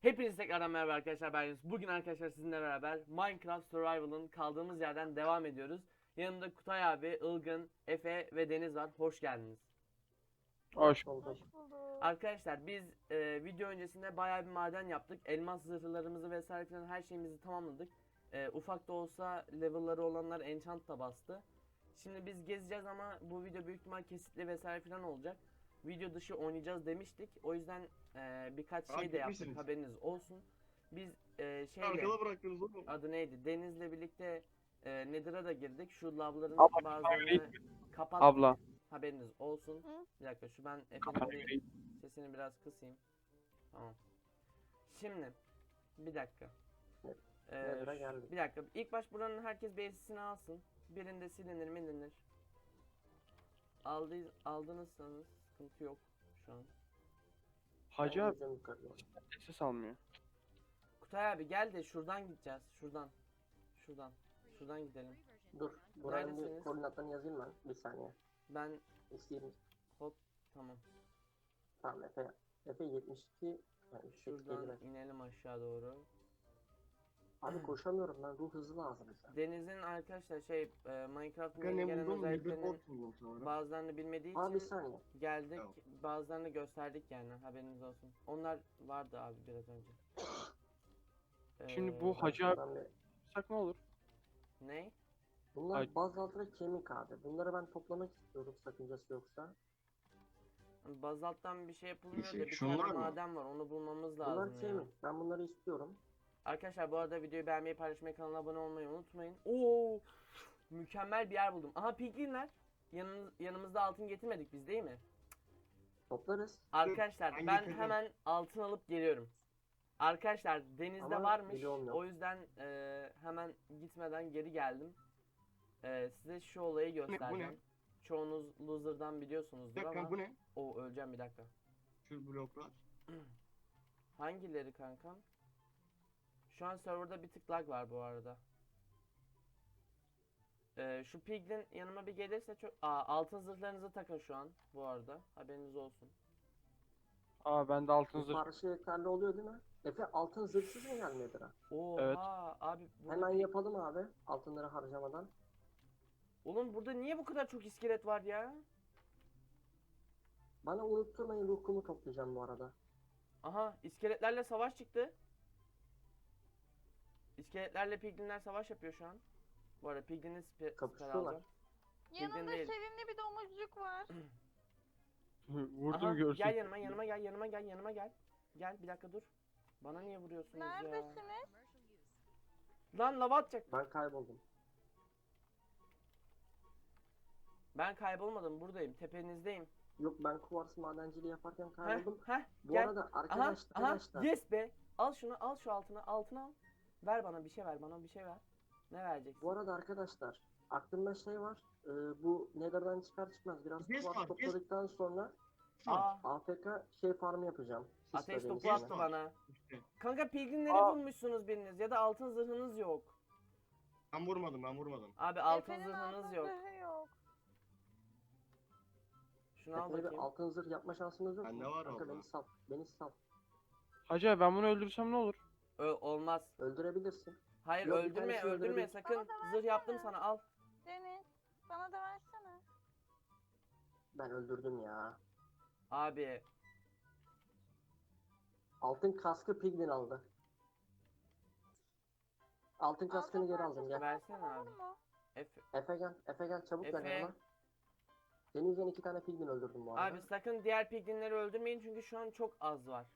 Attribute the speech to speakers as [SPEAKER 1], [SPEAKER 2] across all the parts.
[SPEAKER 1] Hepinize tekrardan merhaba arkadaşlar, ben Yunus. Bugün arkadaşlar sizinle beraber Minecraft Survival'ın kaldığımız yerden devam ediyoruz. Yanımda Kutay abi, Ilgın, Efe ve Deniz var. Hoş geldiniz.
[SPEAKER 2] Hoş.
[SPEAKER 3] Hoş bulduk.
[SPEAKER 1] Arkadaşlar biz video öncesinde bayağı bir maden yaptık. Elmas zırhlarımızı vesaire filan her şeyimizi tamamladık. Ufak da olsa level'ları olanlar enchant da bastı. Şimdi biz gezeceğiz ama bu video büyük ihtimal kesitli vesaire filan olacak. Video dışı oynayacağız demiştik. O yüzden birkaç şey de yaptık,
[SPEAKER 3] Etmişsiniz.
[SPEAKER 1] haberiniz olsun. Biz şeyle
[SPEAKER 3] Arkada bıraktınız oğlum.
[SPEAKER 1] adı neydi? Deniz'le birlikte Nether'a da girdik. Şu lavların
[SPEAKER 2] Abla,
[SPEAKER 1] bazılarını kapattık.
[SPEAKER 2] Abla.
[SPEAKER 1] Haberiniz olsun.
[SPEAKER 4] Hı?
[SPEAKER 1] Bir dakika şu ben Efe'nin bir sesini biraz kısayım. Tamam. Şimdi bir dakika.
[SPEAKER 3] Nether'a geldik.
[SPEAKER 1] Bir dakika. İlk baş buranın herkes BS'sini alsın. Birinde silinir milinir. Aldınızsanız sıkıntı yok şu an.
[SPEAKER 2] Hacı abi
[SPEAKER 3] Bizim yukarıda.
[SPEAKER 2] ses almıyor.
[SPEAKER 1] Kutay abi gel de şuradan gideceğiz. Şuradan. Şuradan. Şuradan gidelim.
[SPEAKER 3] Dur. Buranın
[SPEAKER 1] Neredesiniz?
[SPEAKER 3] bir koordinatlarını yazayım ben. Bir saniye.
[SPEAKER 1] Ben
[SPEAKER 3] İsteyeyim.
[SPEAKER 1] hop tamam.
[SPEAKER 3] Tamam Efe. Efe 72. Yani 72
[SPEAKER 1] Şuradan
[SPEAKER 3] gelmez.
[SPEAKER 1] inelim aşağı doğru.
[SPEAKER 3] Abi koşamıyorum ben. Ruh hızı lazım bize.
[SPEAKER 1] Deniz'in arkadaşlar Minecraft'ın
[SPEAKER 3] Kanka
[SPEAKER 1] yeni
[SPEAKER 3] ne
[SPEAKER 1] gelen
[SPEAKER 3] buldum? Bir
[SPEAKER 1] özelliklerinin
[SPEAKER 3] bot buldum sonra.
[SPEAKER 1] bazılarını bilmediği
[SPEAKER 3] Abi bir
[SPEAKER 1] için
[SPEAKER 3] saniye.
[SPEAKER 1] geldik.
[SPEAKER 3] Tamam.
[SPEAKER 1] Bazılarını gösterdik yani, haberiniz olsun. Onlar vardı abi biraz önce.
[SPEAKER 2] Şimdi bu
[SPEAKER 1] Ee,
[SPEAKER 2] Hacı abi
[SPEAKER 3] Şuradan bir-
[SPEAKER 2] yapsak ne olur?
[SPEAKER 1] Ne?
[SPEAKER 3] Bunlar
[SPEAKER 2] Ay-
[SPEAKER 3] bazaltı ve kemik abi. Bunları ben toplamak istiyorum sakıncası yoksa.
[SPEAKER 1] Bazalttan bir şey yapılmıyor da bir
[SPEAKER 3] şunlar
[SPEAKER 1] tane
[SPEAKER 3] mı?
[SPEAKER 1] maden var, onu bulmamız lazım
[SPEAKER 3] Bunlar
[SPEAKER 1] ya.
[SPEAKER 3] kemik. Ben bunları istiyorum.
[SPEAKER 1] Arkadaşlar bu arada videoyu beğenmeyi, paylaşmayı, kanala abone olmayı unutmayın. Oo! Mükemmel bir yer buldum. Aha piglinler. Yanımızda altın getirmedik biz değil mi?
[SPEAKER 3] Toplarız.
[SPEAKER 1] Arkadaşlar
[SPEAKER 3] ben
[SPEAKER 1] ben
[SPEAKER 3] getirdim.
[SPEAKER 1] hemen altın alıp geliyorum. Arkadaşlar denizde
[SPEAKER 3] Ama
[SPEAKER 1] varmış.
[SPEAKER 3] biliyorum yok.
[SPEAKER 1] O yüzden hemen gitmeden geri geldim. Size şu olayı göstereceğim. Çoğunuz loser'dan
[SPEAKER 3] Bir
[SPEAKER 1] biliyorsunuzdur
[SPEAKER 3] dakika
[SPEAKER 1] ama.
[SPEAKER 3] bu ne?
[SPEAKER 1] O öleceğim bir dakika.
[SPEAKER 3] Şu bloklar.
[SPEAKER 1] Hangileri kankam? Şu an serverda bir tık lag var bu arada. Şu piglin yanıma bir gelirse çok... altın zırhlarınızı takın şu an bu arada. Haberiniz olsun.
[SPEAKER 2] Aa bende altın
[SPEAKER 3] Bu
[SPEAKER 2] zırh.
[SPEAKER 3] parça yeterli oluyor değil mi? Efe altın zırhsız mı gelmedi ha?
[SPEAKER 1] Oha
[SPEAKER 2] Evet.
[SPEAKER 1] abi.
[SPEAKER 3] Hemen yapalım abi. Altınları harcamadan.
[SPEAKER 1] Oğlum burada niye bu kadar çok iskelet var ya?
[SPEAKER 3] Bana unutturmayın ruh kumu toplayacağım bu arada.
[SPEAKER 1] Aha iskeletlerle savaş çıktı. İskeletlerle piglinler savaş yapıyor şu an. Bu arada piglinin siper
[SPEAKER 3] Kapışıyorlar.
[SPEAKER 1] alacağım.
[SPEAKER 4] Yanında
[SPEAKER 1] değil.
[SPEAKER 4] sevimli bir domuzcuk var.
[SPEAKER 2] Vurdum
[SPEAKER 1] Aha,
[SPEAKER 2] görsün.
[SPEAKER 1] gel yanıma gel. Gel bir dakika dur. Bana niye vuruyorsunuz ya?
[SPEAKER 4] Neredesiniz?
[SPEAKER 1] Lan lava atacak.
[SPEAKER 3] Ben kayboldum.
[SPEAKER 1] Ben kaybolmadım, buradayım, tepenizdeyim.
[SPEAKER 3] Yok ben kuvars madenciliği yaparken kayboldum.
[SPEAKER 1] Heh,
[SPEAKER 3] Bu
[SPEAKER 1] gel.
[SPEAKER 3] arada
[SPEAKER 1] Aha,
[SPEAKER 3] arkadaşlar.
[SPEAKER 1] yes be. Al şunu, al şu altını al. Ver bana bir şey ver, bana bir şey ver. Ne vereceksin?
[SPEAKER 3] Bu arada arkadaşlar. Aklımda şey var. Bu Nether'dan çıkar çıkmaz biraz
[SPEAKER 5] Yes
[SPEAKER 3] kuvars
[SPEAKER 5] var,
[SPEAKER 3] topladıktan sonra
[SPEAKER 1] Aa,
[SPEAKER 3] AFK farmı yapacağım.
[SPEAKER 1] ateş
[SPEAKER 3] Sisteminin
[SPEAKER 1] topu attı
[SPEAKER 3] içine.
[SPEAKER 1] bana.
[SPEAKER 5] İşte.
[SPEAKER 1] Kanka pilgrimleri
[SPEAKER 2] Aa.
[SPEAKER 1] bulmuşsunuz biriniz ya da altın zırhınız yok.
[SPEAKER 5] Ben vurmadım.
[SPEAKER 1] Abi altın
[SPEAKER 4] Efe'nin
[SPEAKER 1] zırhınız
[SPEAKER 4] altın
[SPEAKER 1] yok.
[SPEAKER 4] zırhı yok.
[SPEAKER 1] Şunu al
[SPEAKER 3] Efe'yle bir
[SPEAKER 1] bakayım.
[SPEAKER 3] altın zırh yapma şansınız yok
[SPEAKER 5] Bende
[SPEAKER 3] mu?
[SPEAKER 5] var
[SPEAKER 3] Kanka
[SPEAKER 5] abla.
[SPEAKER 3] beni sal. Beni sal.
[SPEAKER 2] Hacı abi ben bunu öldürsem ne olur?
[SPEAKER 1] Olmaz.
[SPEAKER 3] Öldürebilirsin.
[SPEAKER 1] Hayır
[SPEAKER 3] Yok, bir
[SPEAKER 1] öldürme
[SPEAKER 3] tanesini
[SPEAKER 1] öldürme
[SPEAKER 3] öldürebil-
[SPEAKER 1] sakın.
[SPEAKER 4] Bana da
[SPEAKER 1] Zırh yaptım
[SPEAKER 4] versene.
[SPEAKER 1] sana, al.
[SPEAKER 4] Deniz, bana da versene.
[SPEAKER 3] Ben öldürdüm ya.
[SPEAKER 1] Abi
[SPEAKER 3] Altın kaskı Piglin aldı. Altın kaskını
[SPEAKER 4] Altın
[SPEAKER 3] geri aldım gel.
[SPEAKER 1] versene
[SPEAKER 4] Olur
[SPEAKER 1] abi.
[SPEAKER 4] mu?
[SPEAKER 1] Efe.
[SPEAKER 3] Efe gel çabuk gel
[SPEAKER 1] Efe.
[SPEAKER 3] yanıma. Senin yüzünden 2 tane Piglin öldürdüm bu arada.
[SPEAKER 1] Abi sakın diğer piglinleri öldürmeyin çünkü şu an çok az var.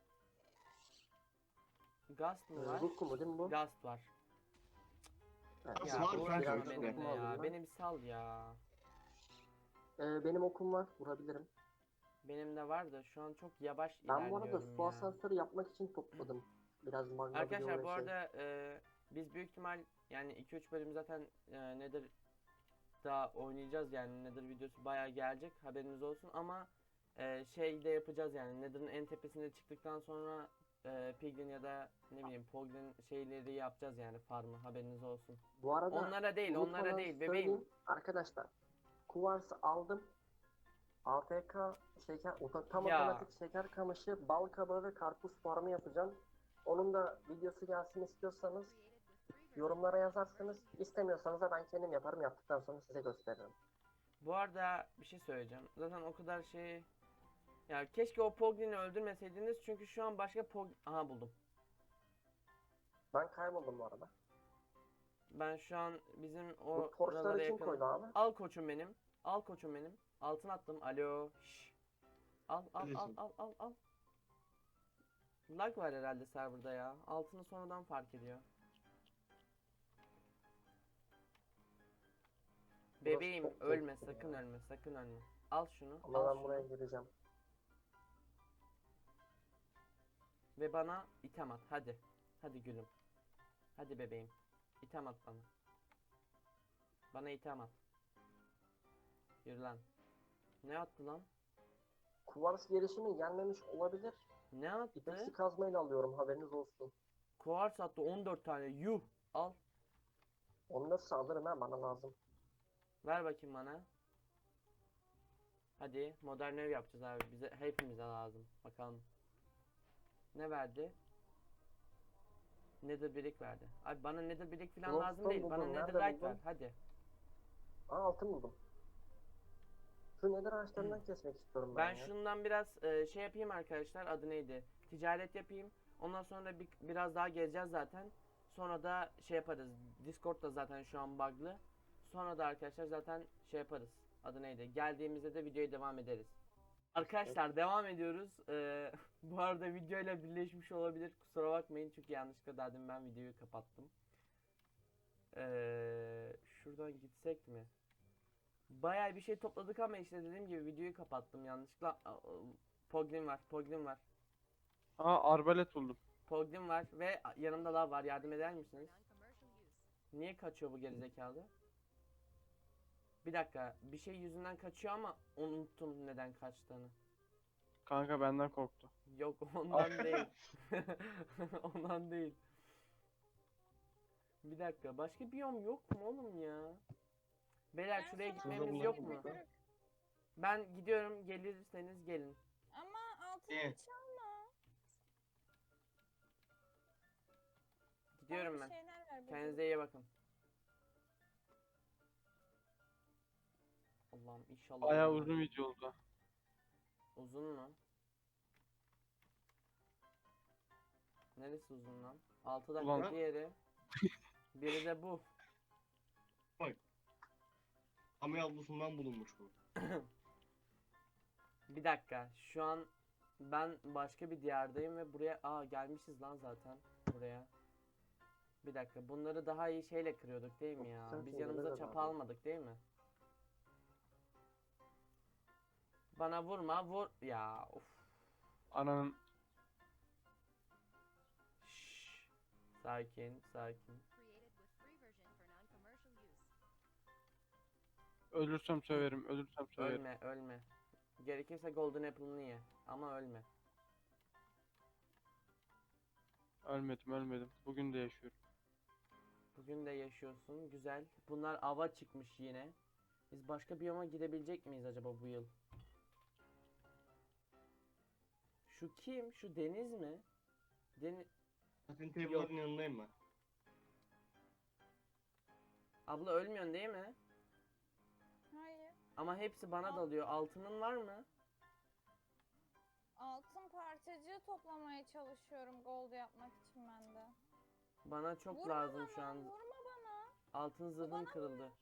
[SPEAKER 1] Gast mı var?
[SPEAKER 3] Ruh kumu değil mi bu?
[SPEAKER 1] Gast var.
[SPEAKER 3] Evet.
[SPEAKER 5] Gast
[SPEAKER 1] Ya
[SPEAKER 5] var,
[SPEAKER 1] uğraşma
[SPEAKER 5] biraz
[SPEAKER 1] benimle
[SPEAKER 3] ruh
[SPEAKER 1] ya.
[SPEAKER 3] aldım ben.
[SPEAKER 1] Beni bir sal ya.
[SPEAKER 3] Benim okum var vurabilirim.
[SPEAKER 1] Benim de var da şu an çok yavaş
[SPEAKER 3] Ben bu arada
[SPEAKER 1] ilerliyorum
[SPEAKER 3] su
[SPEAKER 1] ya.
[SPEAKER 3] asansörü yapmak için topladım. Biraz magma
[SPEAKER 1] Arkadaşlar
[SPEAKER 3] bloğu
[SPEAKER 1] bu
[SPEAKER 3] ve
[SPEAKER 1] arada biz büyük ihtimal yani 2-3 bölüm zaten Nether daha oynayacağız yani Nether videosu bayağı gelecek, haberiniz olsun ama şey de yapacağız yani Nether'ın en tepesine çıktıktan sonra Piglin ya da ne bileyim Poglin şeyleri yapacağız yani farmı, haberiniz olsun.
[SPEAKER 3] Bu arada
[SPEAKER 1] Onlara değil
[SPEAKER 3] unutmadan
[SPEAKER 1] bebeğim.
[SPEAKER 3] söyleyeyim. Arkadaşlar kuvarsı aldım. AFK şeker tam
[SPEAKER 1] Ya.
[SPEAKER 3] otomatik şeker kamışı, bal kabağı ve karpuz farmı yapacağım. Onun da videosu gelsin istiyorsanız yorumlara yazarsınız. İstemiyorsanız da ben kendim yaparım. Yaptıktan sonra size gösteririm.
[SPEAKER 1] Bu arada bir şey söyleyeceğim. Zaten o kadar şey... Ya keşke o Poglin'i öldürmeseydiniz çünkü şu an başka Aha buldum.
[SPEAKER 3] Ben kayboldum bu arada.
[SPEAKER 1] Ben şu an bizim
[SPEAKER 3] Bu
[SPEAKER 1] oralara
[SPEAKER 3] torçları kim
[SPEAKER 1] yakın.
[SPEAKER 3] koydu abi?
[SPEAKER 1] Al koçum benim. Al koçum benim. Altın attım. Alo. Şş. Al al al
[SPEAKER 5] Neredesin?
[SPEAKER 1] al al al. Lag var herhalde serverda ya. Altını sonradan fark ediyor. Bebeğim
[SPEAKER 3] çok
[SPEAKER 1] ölme
[SPEAKER 3] tehlikeli
[SPEAKER 1] sakın
[SPEAKER 3] ya.
[SPEAKER 1] ölme sakın ölme. Al şunu.
[SPEAKER 3] Ama
[SPEAKER 1] al
[SPEAKER 3] ben
[SPEAKER 1] şunu.
[SPEAKER 3] buraya gireceğim.
[SPEAKER 1] Ve bana item at hadi. Hadi gülüm. Hadi bebeğim. İtem at bana. Bana item at. Yürü lan. Ne attı lan?
[SPEAKER 3] Kuvars gelişimi gelmemiş olabilir.
[SPEAKER 1] Ne attı?
[SPEAKER 3] İpeksi kazmayla alıyorum, haberiniz olsun.
[SPEAKER 1] Kuars attı 14 tane. Yuh. Al.
[SPEAKER 3] Onu da saldırın ha, bana lazım.
[SPEAKER 1] Ver bakayım bana. Hadi modern ev yapacağız abi. Bize hepimize lazım. Bakalım. Ne verdi? Nether brick verdi. Abi bana nether brick falan lazım
[SPEAKER 3] Glowstone
[SPEAKER 1] değil. Bana
[SPEAKER 3] buldum. Nerede
[SPEAKER 1] netherite
[SPEAKER 3] buldun?
[SPEAKER 1] ver. Hadi.
[SPEAKER 3] Aa, altın buldum. Şu nether ağaçlarından kesmek istiyorum ben
[SPEAKER 1] Ben
[SPEAKER 3] ya.
[SPEAKER 1] şundan biraz şey yapayım arkadaşlar. Adı neydi? Ticaret yapayım. Ondan sonra biraz daha gezeceğiz zaten. Sonra da şey yaparız. Discord da zaten şu an bug'lı. Sonra da arkadaşlar zaten şey yaparız. Adı neydi? Geldiğimizde de videoya devam ederiz. Arkadaşlar devam ediyoruz. Bu arada videoyla birleşmiş olabilir. Kusura bakmayın çünkü yanlışlıkla daha demin ben videoyu kapattım. Şuradan gitsek mi? Bayağı bir şey topladık ama işte dediğim gibi videoyu kapattım yanlışlıkla. Poglin var, Poglin var.
[SPEAKER 2] Aa, arbalet buldum.
[SPEAKER 1] Poglin var ve yanımda lav var. Yardım eder misiniz? Niye kaçıyor bu gerizekalı? Bir dakika, bir şey yüzünden kaçıyor ama unuttum neden kaçtığını.
[SPEAKER 2] Kanka benden korktu.
[SPEAKER 1] Yok ondan değil. Ondan değil. Bir dakika, başka biyom yok mu oğlum ya? Beyler şuraya
[SPEAKER 4] sana
[SPEAKER 1] gitmemiz
[SPEAKER 5] bulamadım
[SPEAKER 1] yok
[SPEAKER 4] bir
[SPEAKER 1] mu?
[SPEAKER 5] bakalım.
[SPEAKER 4] kırık.
[SPEAKER 1] Ben gidiyorum, gelirseniz gelin.
[SPEAKER 4] Ama altını
[SPEAKER 5] Evet.
[SPEAKER 4] çalma.
[SPEAKER 1] Gidiyorum
[SPEAKER 4] Bana
[SPEAKER 1] ben.
[SPEAKER 4] bir şeyler ver.
[SPEAKER 1] Kendinize iyi bakın. Allah'ım inşallah.
[SPEAKER 2] Bayağı
[SPEAKER 1] ölmem.
[SPEAKER 2] uzun video oldu.
[SPEAKER 1] Uzun mu? Neresi uzun lan? 6 dakika
[SPEAKER 2] Ulan.
[SPEAKER 1] diğeri. Biri de bu.
[SPEAKER 5] Ama yavrusundan bulunmuş bu.
[SPEAKER 1] Bir dakika. Şu an ben başka bir diyardayım ve buraya gelmişiz lan zaten buraya. Bir dakika. Bunları daha iyi şeyle kırıyorduk değil mi ya?
[SPEAKER 3] Sen
[SPEAKER 1] Biz
[SPEAKER 3] şimdi
[SPEAKER 1] yanımıza
[SPEAKER 3] nerede
[SPEAKER 1] çapa
[SPEAKER 3] abi?
[SPEAKER 1] almadık değil mi? Bana vurma, vur. Ya of.
[SPEAKER 2] Ananın
[SPEAKER 1] Şşş. Sakin, sakin.
[SPEAKER 2] ölürsem söverim, ölürsem söverim.
[SPEAKER 1] Ölme, ölme. Gerekirse Golden Apple'ını ye. Ama ölme.
[SPEAKER 2] Ölmedim, ölmedim. Bugün de yaşıyorum.
[SPEAKER 1] Bugün de yaşıyorsun. Güzel. Bunlar ava çıkmış yine. Biz başka biyoma gidebilecek miyiz acaba bu yıl? Şu kim? Şu Deniz mi?
[SPEAKER 5] Zaten table'ların yanındayım ben.
[SPEAKER 1] Abla ölmüyorsun değil mi?
[SPEAKER 4] Hayır.
[SPEAKER 1] Ama hepsi bana dalıyor. Altının var mı?
[SPEAKER 4] Altın parçacığı toplamaya çalışıyorum gold yapmak için ben de.
[SPEAKER 1] Bana çok
[SPEAKER 4] Vurma
[SPEAKER 1] lazım
[SPEAKER 4] bana,
[SPEAKER 1] şu an.
[SPEAKER 4] vurma bana.
[SPEAKER 1] Altın zırhım kırıldı.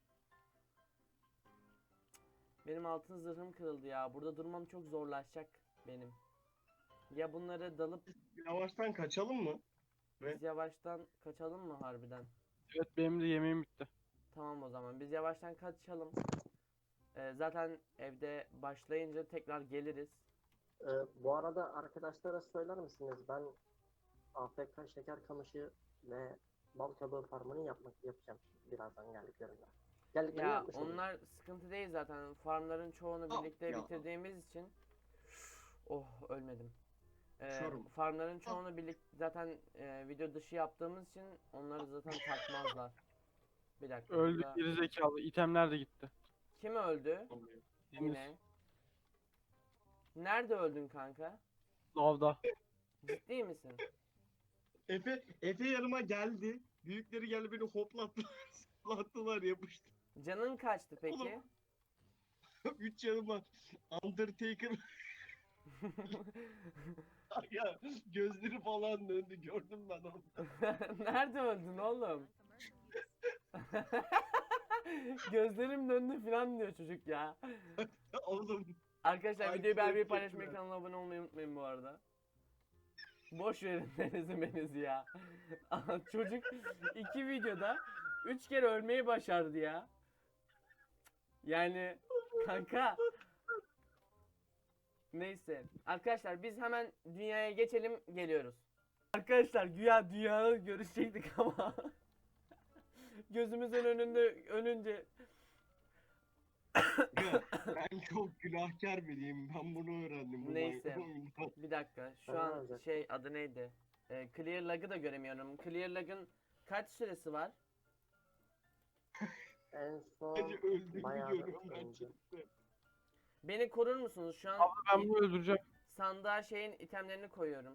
[SPEAKER 1] Benim altın zırhım kırıldı ya. Burada durmam çok zorlaşacak benim. Ya bunları dalıp
[SPEAKER 5] Yavaştan kaçalım mı?
[SPEAKER 1] biz yavaştan kaçalım mı harbiden?
[SPEAKER 2] Evet, benim de yemeğim bitti.
[SPEAKER 1] Tamam o zaman. Biz yavaştan kaçalım. Zaten evde başlayınca tekrar geliriz.
[SPEAKER 3] Bu arada arkadaşlara söyler misiniz? Ben AFK şeker kamışı ve bal kabağı farmını yapacağım birazdan geldiklerinde. Geldiklerinde
[SPEAKER 1] Ya
[SPEAKER 3] yapmış olayım.
[SPEAKER 1] onlar sıkıntı değil zaten. Farmların çoğunu
[SPEAKER 5] Ah,
[SPEAKER 1] birlikte
[SPEAKER 5] ya.
[SPEAKER 1] bitirdiğimiz için. Oh ölmedim.
[SPEAKER 5] Uçuyorum.
[SPEAKER 1] Farmların çoğunu birlikte zaten video dışı yaptığımız için onları zaten takmazlar. Bir dakika.
[SPEAKER 2] Öldük
[SPEAKER 1] burada-
[SPEAKER 2] geri zekalı. İtemler de gitti.
[SPEAKER 1] Kim öldü?
[SPEAKER 2] Deniz.
[SPEAKER 1] Yine. Nerede öldün kanka?
[SPEAKER 2] Lavda.
[SPEAKER 1] Ciddi misin?
[SPEAKER 5] Efe yanıma geldi. Büyükleri geldi beni hoplattılar. Zıplattılar yapıştı.
[SPEAKER 1] Canın kaçtı peki?
[SPEAKER 5] Oğlum. 3 yanıma Undertaker ya gözleri falan döndü gördüm ben onu.
[SPEAKER 1] Nerede öldün oğlum? Gözlerim döndü falan diyor çocuk ya.
[SPEAKER 5] Oğlum
[SPEAKER 1] Arkadaşlar
[SPEAKER 5] Ay,
[SPEAKER 1] videoyu beğenmeyi,
[SPEAKER 5] çok
[SPEAKER 1] paylaşmayı,
[SPEAKER 5] kötü.
[SPEAKER 1] kanala abone olmayı unutmayın bu arada. Boş verin Deniz'i ya. Çocuk 2 videoda 3 kere ölmeyi başardı ya. Yani kanka. Neyse. Arkadaşlar biz hemen dünyaya geçelim, geliyoruz. Arkadaşlar güya dünyada görüşecektik ama gözümüzün önünce
[SPEAKER 5] ya, ben çok günahkar biriyim. Ben bunu öğrendim. Bu
[SPEAKER 1] Neyse.
[SPEAKER 5] oyundan.
[SPEAKER 1] bir dakika. Şu
[SPEAKER 3] Ben ne
[SPEAKER 1] an
[SPEAKER 3] yapacaktım?
[SPEAKER 1] şey adı neydi? Clear lag'ı da göremiyorum. Clear lag'ın kaç süresi var?
[SPEAKER 3] En son
[SPEAKER 5] Sadece öldüğümü
[SPEAKER 3] bayağı
[SPEAKER 5] görüyorum ben
[SPEAKER 3] önce.
[SPEAKER 5] chatte.
[SPEAKER 1] Beni korur musunuz? Şu an
[SPEAKER 2] Ben bunu öldüreceğim.
[SPEAKER 1] sandığa şeyin itemlerini koyuyorum.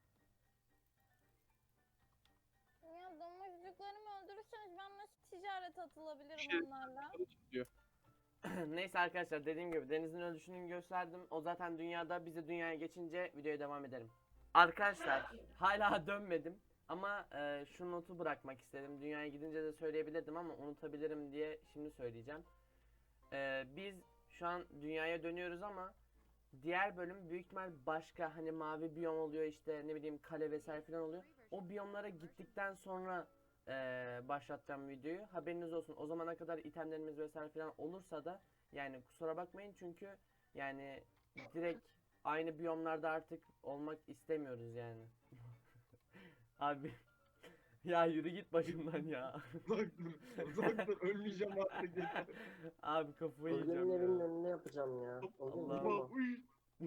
[SPEAKER 4] Ya domuzcuklarımı öldürürseniz ben nasıl ticarete atılabilirim
[SPEAKER 2] Şey-
[SPEAKER 4] onlarla?
[SPEAKER 2] Diyor.
[SPEAKER 1] Neyse arkadaşlar, dediğim gibi Deniz'in ölüşünü gösterdim. O zaten dünyada, bize dünyaya geçince videoya devam edelim. Arkadaşlar hala dönmedim ama şu notu bırakmak istedim. Dünyaya gidince de söyleyebilirdim ama unutabilirim diye şimdi söyleyeceğim. Biz şu an dünyaya dönüyoruz ama diğer bölüm büyük ihtimal başka, hani mavi biyom oluyor, işte ne bileyim kale vesaire falan oluyor. O biyomlara gittikten sonra başlatacağım videoyu. Haberiniz olsun. O zamana kadar itemlerimiz vesaire falan olursa da yani kusura bakmayın, çünkü yani direkt aynı biyomlarda artık olmak istemiyoruz yani. Abi ya yürü git başımdan ya.
[SPEAKER 5] Uzak dur. Uzak dur. Ölmeyeceğim artık. yeter.
[SPEAKER 1] Abi kafayı
[SPEAKER 3] Özlem'in
[SPEAKER 1] yiyeceğim
[SPEAKER 3] evinin
[SPEAKER 1] ya.
[SPEAKER 3] önüne yapacağım ya. Özlem
[SPEAKER 1] Allah'ım.
[SPEAKER 3] vurma.
[SPEAKER 5] Uy.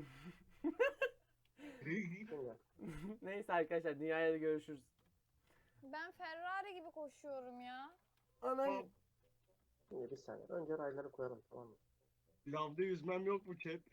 [SPEAKER 3] Şimdi.
[SPEAKER 1] Neyse arkadaşlar, dünyaya da görüşürüz.
[SPEAKER 4] Ben Ferrari gibi koşuyorum ya.
[SPEAKER 1] Anam.
[SPEAKER 3] Şimdi bir saniye. Önce rayları koyalım, tamam mı?
[SPEAKER 5] Lavda yüzmem yok mu chat?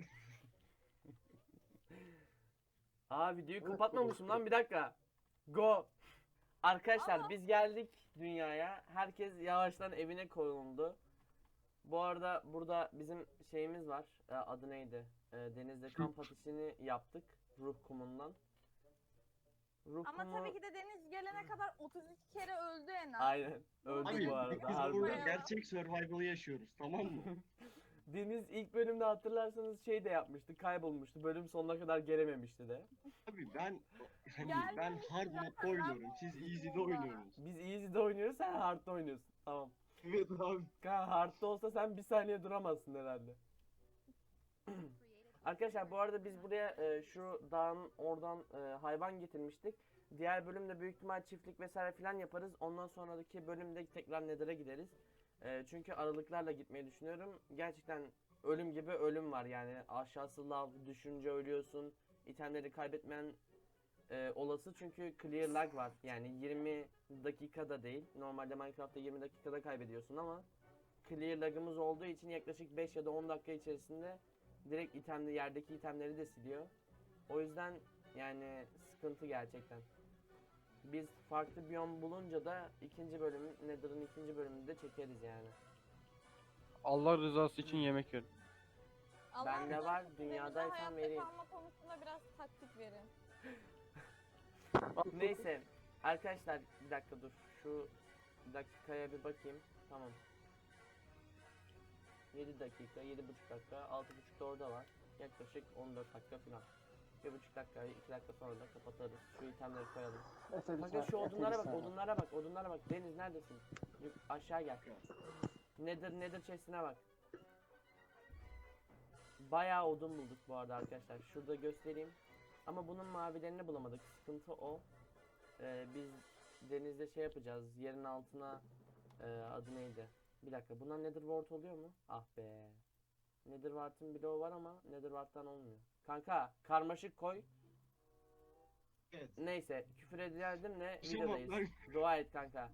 [SPEAKER 1] Aa, videoyu
[SPEAKER 3] Evet,
[SPEAKER 1] kapatmamışım
[SPEAKER 3] evet.
[SPEAKER 1] lan, bir dakika. Go. Arkadaşlar
[SPEAKER 4] Aa.
[SPEAKER 1] biz geldik dünyaya. Herkes yavaştan evine koyuldu. Bu arada burada bizim şeyimiz var. Adı neydi? Denizde kamp ateşini yaptık. Ruh kumundan. Ruh
[SPEAKER 4] Ama
[SPEAKER 1] kumu...
[SPEAKER 4] tabii ki de Deniz gelene kadar 32 kere öldü en az.
[SPEAKER 1] Aynen. Öldü
[SPEAKER 5] Abi
[SPEAKER 1] bu arada.
[SPEAKER 5] biz
[SPEAKER 1] Harbiden.
[SPEAKER 5] burada gerçek survival'ı yaşıyoruz, tamam mı?
[SPEAKER 1] Deniz ilk bölümde hatırlarsanız şey de yapmıştı. Kaybolmuştu. Bölüm sonuna kadar gelememişti de.
[SPEAKER 5] Abi ben hani
[SPEAKER 4] Gelmemiş
[SPEAKER 5] ben hard
[SPEAKER 4] zaten,
[SPEAKER 5] modda oynuyorum. Siz easy'de oynuyorsunuz.
[SPEAKER 1] Biz easy'de oynuyoruz, sen hard'da oynuyorsun. Tamam.
[SPEAKER 5] Evet abi.
[SPEAKER 1] Kanka hard'da olsa sen bir saniye duramazsın herhalde. Arkadaşlar bu arada biz buraya şu dağın oradan hayvan getirmiştik. Diğer bölümde büyük ihtimal çiftlik vesaire filan yaparız. Ondan sonraki bölümde tekrar Nether'a gideriz. Çünkü aralıklarla gitmeyi düşünüyorum. Gerçekten ölüm gibi ölüm var yani. Aşağısı lav, düşünce ölüyorsun. İtemleri kaybetmen olası, çünkü clear lag var. Yani 20 dakikada değil. Normalde Minecraft'ta 20 dakikada kaybediyorsun ama clear lag'ımız olduğu için yaklaşık 5 ya da 10 dakika içerisinde direkt yerdeki itemleri de siliyor. O yüzden yani sıkıntı gerçekten. Biz farklı biyom bulunca da ikinci bölüm, Nether'ın ikinci bölümünü de çekeriz yani.
[SPEAKER 2] Allah rızası için yemek verin.
[SPEAKER 1] Bende
[SPEAKER 4] Allah'ım,
[SPEAKER 1] var,
[SPEAKER 4] siz de
[SPEAKER 1] dünyadaysan
[SPEAKER 4] bize hayatta
[SPEAKER 1] vereyim.
[SPEAKER 4] kalma konusunda biraz taktik verin.
[SPEAKER 1] Neyse arkadaşlar, bir dakika dur. Şu dakikaya bir bakayım. Tamam. 7 dakika, 7,5 dakika, 6,5 da orada var. Yaklaşık 14 dakika falan. 1,5 dakika, 2 dakika sonra da kapatırız. Şu itemleri koyalım.
[SPEAKER 3] Efe bir
[SPEAKER 1] Bakın
[SPEAKER 3] saniye,
[SPEAKER 1] şu
[SPEAKER 3] Efe bir
[SPEAKER 1] odunlara bak,
[SPEAKER 3] saniye.
[SPEAKER 1] odunlara bak, odunlara bak. Deniz neredesin? Aşağı gel. Nether chest'ine bak. Bayağı odun bulduk bu arada arkadaşlar. Şurada göstereyim. Ama bunun mavilerini bulamadık. Sıkıntı o. Biz denizde şey yapacağız. Yerin altına adı neydi? Bir dakika. Bundan Nether wart oluyor mu? Ah be. Nether wart'ın bloğu var ama Nether wart'tan olmuyor. Kanka karmaşık koy.
[SPEAKER 5] Evet.
[SPEAKER 1] Neyse, küfür edildim ne
[SPEAKER 5] Şey
[SPEAKER 1] videodayız.
[SPEAKER 5] bak,
[SPEAKER 1] Dua et kanka.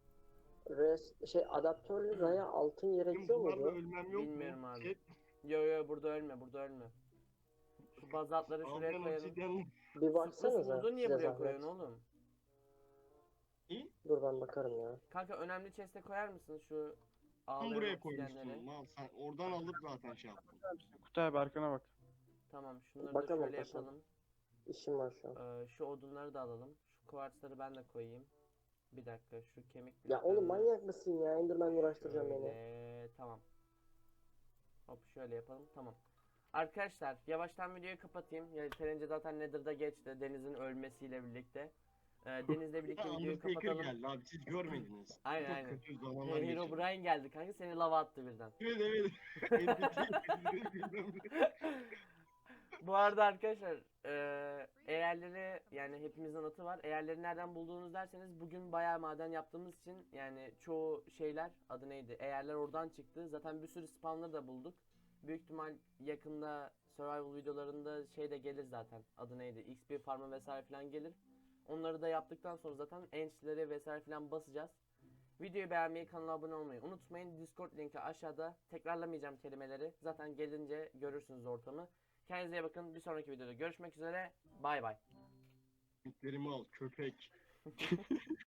[SPEAKER 3] Adaptörlü raya altın gerekiyor
[SPEAKER 5] bunlarla
[SPEAKER 3] muydu?
[SPEAKER 5] ölmem yok
[SPEAKER 1] Bilmiyorum
[SPEAKER 5] mu?
[SPEAKER 1] abi.
[SPEAKER 5] Chat,
[SPEAKER 1] Yo burada ölme, burada ölme. Şu bazaltları şuraya
[SPEAKER 5] aldan
[SPEAKER 1] koyalım.
[SPEAKER 5] obsidyen
[SPEAKER 3] Bir baksanıza
[SPEAKER 1] Smoke'u niye
[SPEAKER 3] size
[SPEAKER 1] buraya
[SPEAKER 3] zahmet.
[SPEAKER 1] koyuyorsun oğlum?
[SPEAKER 3] Dur ben bakarım ya.
[SPEAKER 1] Kanka önemli chest'e koyar mısın şu
[SPEAKER 5] Tam
[SPEAKER 1] ağlayan
[SPEAKER 5] buraya
[SPEAKER 1] obsidyenleri?
[SPEAKER 5] koymuşsun. Mal sen oradan alıp zaten şey yaptın.
[SPEAKER 2] Kutay abi arkana bak.
[SPEAKER 1] Tamam şunları da
[SPEAKER 3] Bakalım
[SPEAKER 1] şöyle
[SPEAKER 3] paşam.
[SPEAKER 1] yapalım.
[SPEAKER 3] İşim var şu an.
[SPEAKER 1] Şu odunları da alalım. Şu kuartsları ben de koyayım. Bir dakika şu kemik
[SPEAKER 3] Ya oğlum
[SPEAKER 1] bloklarını
[SPEAKER 3] manyak mısın ya? Enderman uğraştıracağım beni.
[SPEAKER 1] Tamam. Hop şöyle yapalım. Tamam. Arkadaşlar yavaştan videoyu kapatayım. Yeterince zaten Nether'da geçti. Deniz'in ölmesiyle birlikte. Deniz'le birlikte
[SPEAKER 5] Ya
[SPEAKER 1] videoyu
[SPEAKER 5] Undertaker
[SPEAKER 1] kapatalım.
[SPEAKER 5] geldi abi siz görmediniz.
[SPEAKER 1] Aynen,
[SPEAKER 5] Çok
[SPEAKER 1] aynen.
[SPEAKER 5] kötü zamanlar geçirdim.
[SPEAKER 1] Herobrine geldi kanka seni lava attı birden.
[SPEAKER 5] Evet evet.
[SPEAKER 1] Bu arada arkadaşlar eğerleri yani hepimizin atı var. Eğerleri nereden bulduğunuz derseniz bugün bayağı maden yaptığımız için yani çoğu şeyler adı neydi? Eğerler oradan çıktı. Zaten bir sürü spawner da bulduk. Büyük ihtimal yakında survival videolarında şey de gelir zaten. Adı neydi? XP farmı vesaire falan gelir. Onları da yaptıktan sonra zaten enchleri vesaire falan basacağız. Videoyu beğenmeyi, kanala abone olmayı unutmayın. Discord linki aşağıda. Tekrarlamayacağım kelimeleri. Zaten gelince görürsünüz ortamı. Kendinize iyi bakın. Bir sonraki videoda görüşmek üzere. Bay bay.
[SPEAKER 5] Mitlerimi al köpek.